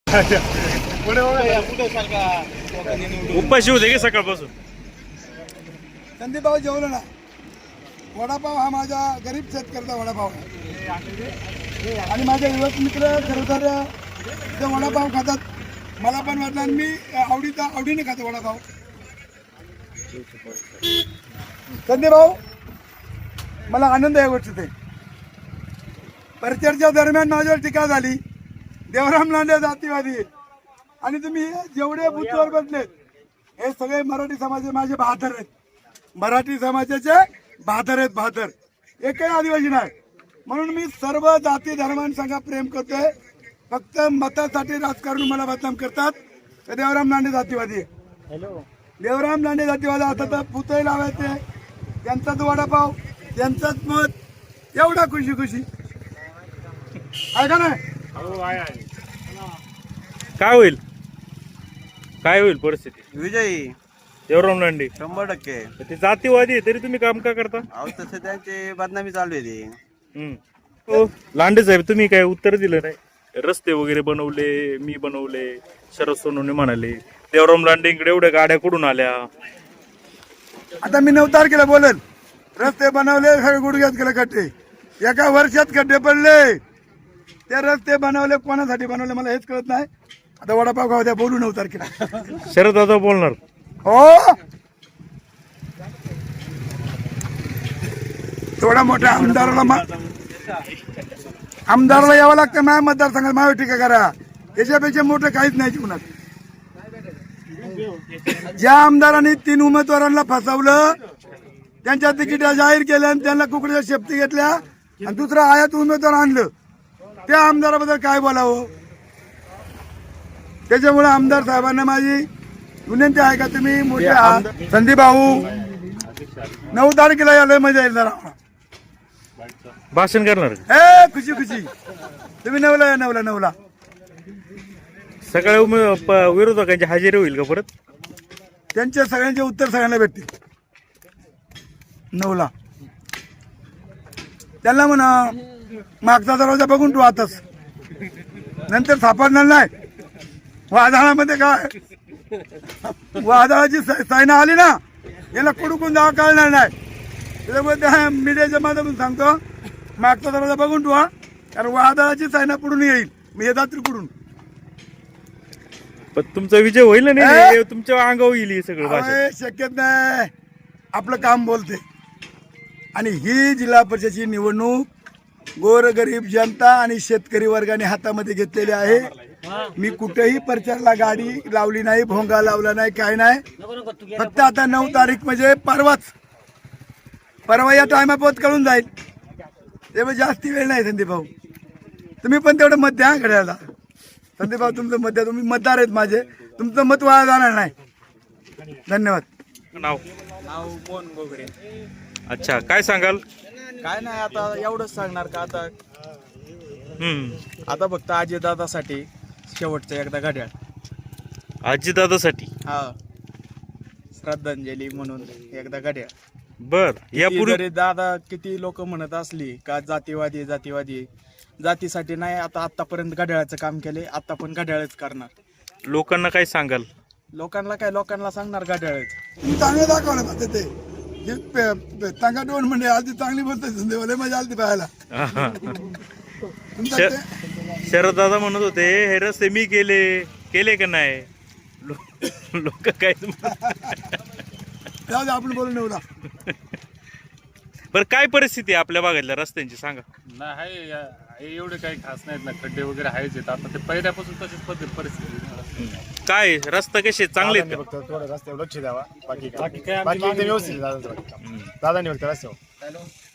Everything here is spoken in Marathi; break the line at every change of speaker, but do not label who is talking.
उपाशी होते की सकाळपासून?
संदीप भाऊ जेवलो ना. वडापाव हा माझा गरीब शेतकऱ्याचा वडापाव आहे आणि माझे युवक मित्र खरं तर ते वडापाव खातात. मला पण वाटलं आणि मी आवडीने खातो वडापाव. संदीप भाऊ, मला आनंद आहे गोष्टीत. परिचर्चा दरम्यान माझ्यावर टीका झाली, देवराम लांडे जातीवादी आणि तुम्ही जेवढे बुथवर बसलेत हे सगळे मराठी समाजाचे माझे बहादर आहेत. मराठी समाजाचे बहादर आहेत, बहादर. एकही आदिवासी नाही. म्हणून मी सर्व जाती धर्मांसंग प्रेम करतोय. फक्त मतासाठी राजकारण मला बदनाम करतात. तर देवराम लांडे जातीवादी. देवराम लांडे जातीवादी. आता तर पुतळे लावायचे, त्यांचाच वडापाव, त्यांचंच मत, एवढा खुशी खुशी आहे का नाही?
काय होईल, काय होईल परिस्थिती?
विजयी
देवराम लांडे
100%.
ते जातीवादी आहे, तरी तुम्ही काम का करता?
अहो तसं त्यांची बदनामी चालू आहे ती.
हो, लांडे साहेब तुम्ही काय उत्तर दिलं नाही. रस्ते वगैरे बनवले, मी बनवले, शरद सोनवणे म्हणाले. देवराम लांडेंकडे एवढ्या गाड्या कुठून आल्या?
आता मी 9 तारखेला बोलेल. रस्ते बनवले, सगळे गुडघ्यात गेले खड्डे, एका वर्षात खड्डे पडले. ते रस्ते बनवले कोणासाठी बनवले मला हेच कळत नाही. आता वडापाव खाऊ द्या, बोलू 9 तारखेला.
शरद दादा बोलणार.
हो, थोडा मोठ्या आमदाराला यावं लागतं. माझ्या मतदारसंघात माझ्यावर टीका करा, याच्यापेक्षा मोठं काहीच नाही जीवनात. ज्या आमदारांनी 3 उमेदवारांना फसवलं, त्यांच्या तिकीट जाहीर केल्या आणि त्यांना कुकडीच्या शेपटी घेतल्या आणि दुसरा आयात उमेदवार आणलं, त्या आमदाराबद्दल काय बोलावं? त्याच्यामुळे आमदार साहेबांना माझी विनंती आहे का तुम्ही मोठे संदीप भाऊ 9 तारखेला यायला मजा येईल जरा.
भाषण करणार.
खुशी खुशी तुम्ही 9ला या. 9ला
सकाळी विरोधकांची हजेरी होईल का परत?
त्यांच्या सगळ्यांचे उत्तर सगळ्यांना भेटतील 9ला. त्यांना म्हणा मागचा दरवाजा बघून तू आताच, नंतर सापडणार नाही. वादळामध्ये काय वादळाची सायना आली ना, याला कुडून जावं कळणार नाही. त्याच्यामुळे त्या मीडियाच्या माध्यमातून सांगतो, मागचा दरवाजा बघून ठेवा, कारण वादळाची सायना पुढून येईल. मी येतात त्रिकडून.
पण तुमचा विजय होईल ना? नाही, तुमच्या अंगावर येईल हे सगळं भाषण.
शक्यत नाही. आपलं काम बोलते. आणि ही जिल्हा परिषदेची निवडणूक गोरगरीब जनता आणि शेतकरी वर्गाने हातामध्ये घेतलेली आहे. मी कुठेही प्रचारला गाडी लावली नाही, भोंगा लावला नाही, काय नाही. फक्त आता 9 तारीख म्हणजे परवा या टायमापोत कळून जाईल. तेव्हा जास्ती वेळ नाही. संदीप भाऊ तुम्ही पण तेवढं मत द्या घड्याला. संदीप भाऊ तुमचं मत द्या, तुम्ही मतदार आहेत माझे, तुमचं मत वाया जाणार नाही. धन्यवाद.
नाव
कोण गोगरे?
अच्छा, काय सांगाल?
काय नाही, आता एवढंच सांगणार का आता
हम्म,
आता फक्त अजितदादासाठी शेवटचं एकदा घड्याळ.
आजीदादासाठी.
हा, श्रद्धांजली म्हणून एकदा घड्याळ.
बर, यापूर्वी
जरी दादा किती लोक म्हणत असली का जातीवादी जातीवादी, जातीसाठी नाही. आता आतापर्यंत घड्याळाचं काम केले, आता पण घड्याळच करणार.
लोकांना काय सांगाल?
लोकांना सांगणार घड्याळच.
चांगलं दाखवलं पाहिजे ते. टांगा दोन म्हणजे आधी चांगली बोलते संदेवाले, मजा आली पाहायला.
शरद दादा म्हणत होते हे रस्ते मी केले का नाही? लोक काय
आपण बोलू 9ला.
बरं, काय परिस्थिती आहे आपल्या भागातल्या रस्त्यांची सांगा.
नाही आहे एवढे काही खास नाहीत ना, खड्डे वगैरे आहेच आहेत. आता ते पहिल्यापासून तशीच परिस्थिती.
काय रस्ता कसे चांगले आहेत का?
फक्त थोडं रस्त्यावर लक्ष द्यावा, बाकी काय व्यवस्थित दादांनी फक्त रस्त्यावर